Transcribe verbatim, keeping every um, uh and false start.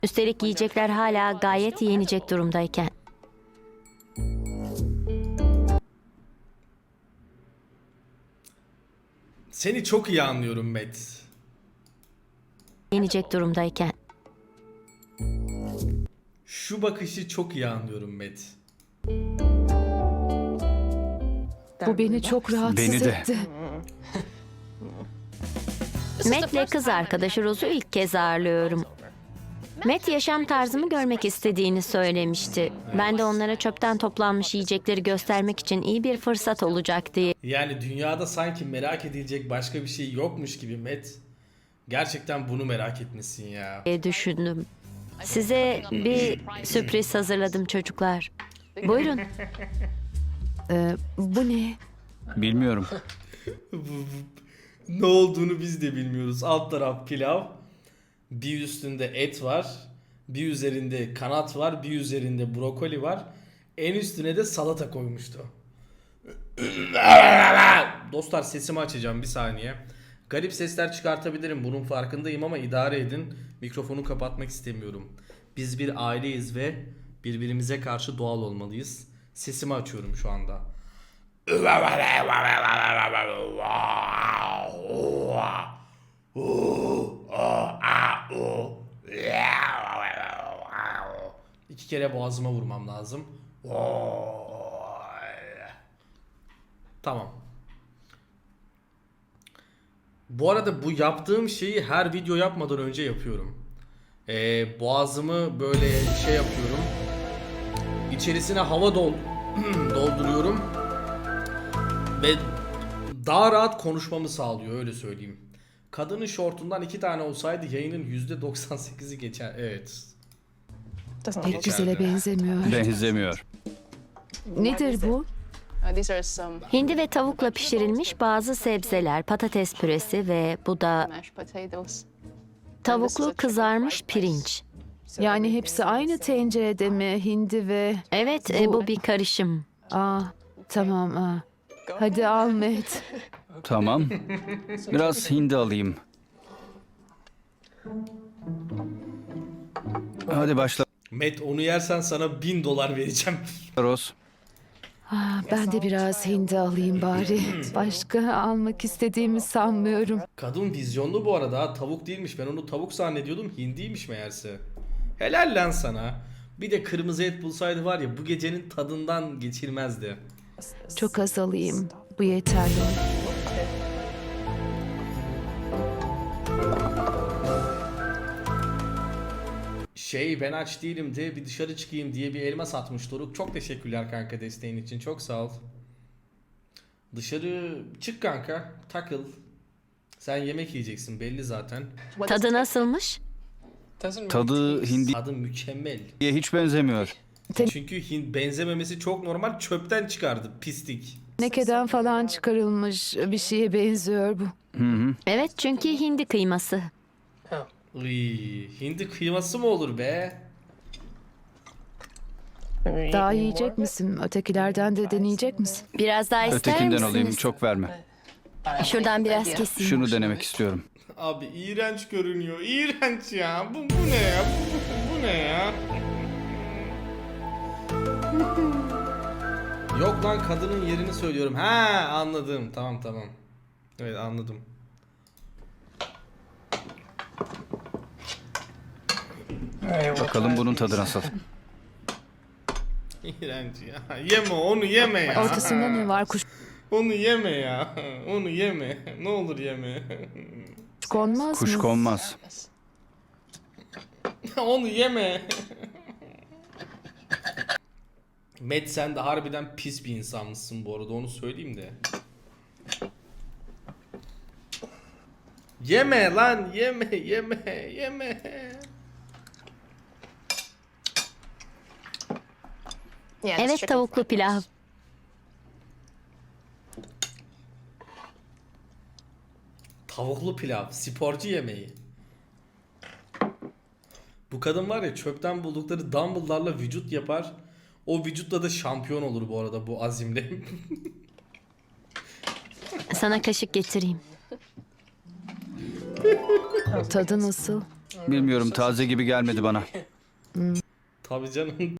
Üstelik yiyecekler hala gayet yenecek durumdayken. Seni çok iyi anlıyorum Met. Yenecek durumdayken. Şu bakışı çok iyi anlıyorum Met. Bu beni çok rahatsız Beni de. etti. Matt'le kız arkadaşı Rose'u ilk kez ağırlıyorum. Matt yaşam tarzımı görmek istediğini söylemişti. Ben de onlara çöpten toplanmış yiyecekleri göstermek için iyi bir fırsat olacak diye Yani dünyada sanki merak edilecek başka bir şey yokmuş gibi Met. Gerçekten bunu merak etmişsin ya. düşündüm. Size bir sürpriz hazırladım çocuklar. Buyurun. Ee, bu ne? Bilmiyorum. Ne olduğunu biz de bilmiyoruz. Alt taraf pilav. Bir üstünde et var. Bir üzerinde kanat var. Bir üzerinde brokoli var. En üstüne de salata koymuştu. Dostlar sesimi açacağım bir saniye. Garip sesler çıkartabilirim. Bunun farkındayım ama idare edin. Mikrofonu kapatmak istemiyorum. Biz bir aileyiz ve birbirimize karşı doğal olmalıyız. Sesimi açıyorum şu anda. İki kere boğazıma vurmam lazım. Tamam. Bu arada bu yaptığım şeyi her video yapmadan önce yapıyorum. Ee, boğazımı böyle şey yapıyorum. İçerisine hava dol dolduruyorum. Ve daha rahat konuşmamı sağlıyor, öyle söyleyeyim. Kadının şortundan iki tane olsaydı yayının yüzde doksan sekizi geçer. Evet. Pek güzele benzemiyor. Benzemiyor. Nedir bu? Uh, these are some Hindi ve tavukla pişirilmiş bazı sebzeler, patates püresi ve bu da mashed potatoes. tavuklu kızarmış pirinç. Yani hepsi aynı tencerede mi? Hindi ve... Evet, e, bu bir karışım. Aa, tamam. Aa. Hadi Ahmet. Tamam. Biraz hindi alayım. Hadi başla Met, onu yersen sana bin dolar vereceğim. Rose. Aa, ben de biraz hindi alayım bari. Başka almak istediğimi sanmıyorum. Kadın vizyonlu bu arada, ha, tavuk değilmiş. Ben onu tavuk zannediyordum, hindiymiş meğerse. Helal lan sana. Bir de kırmızı et bulsaydı var ya, bu gecenin tadından geçirmezdi. Çok az alayım. Bu yeterli. Şey, ben aç değilim de bir dışarı çıkayım diye bir elma satmış Doruk. Çok teşekkürler kanka desteğin için. Çok sağ ol. Dışarı çık kanka. Takıl. Sen yemek yiyeceksin belli zaten. Tadı nasılmış? Tadı hindiye Tadı mükemmel. hiç benzemiyor. Çünkü hin benzememesi çok normal. Çöpten çıkardı pislik. Tenekeden falan çıkarılmış bir şeye benziyor bu. Hı hı. Evet, çünkü hindi kıyması. Iy, hindi kıyması mı olur be? Daha yiyecek misin? Ötekilerden de deneyecek misin? Biraz daha ister Ötekinden misiniz? alayım, çok verme. Şuradan biraz keseyim. Şunu denemek istiyorum. Abi iğrenç görünüyor. İğrenç ya. Bu, bu ne ya? Bu, bu, bu ne ya? Yok lan, kadının yerini söylüyorum. Ha, anladım. Tamam tamam. Evet, anladım. Bakalım bunun tadı nasıl. İğrenç ya. Yeme onu, yeme ya. Ortasında ne var? Kuş Onu yeme ya. Onu yeme. Ne olur yeme. konmaz Kuş mı? konmaz. Onu yeme. Met, sen de harbiden pis bir insanmışsın bu arada, onu söyleyeyim de. Yeme lan, yeme yeme yeme. Evet, tavuklu pilav. Tavuklu pilav, sporcu yemeği. Bu kadın var ya, çöpten buldukları dumbbell'larla vücut yapar. O vücutla da şampiyon olur bu arada, bu azimle. Sana kaşık getireyim. Tadı nasıl? Bilmiyorum, taze gibi gelmedi bana. Tabii canım.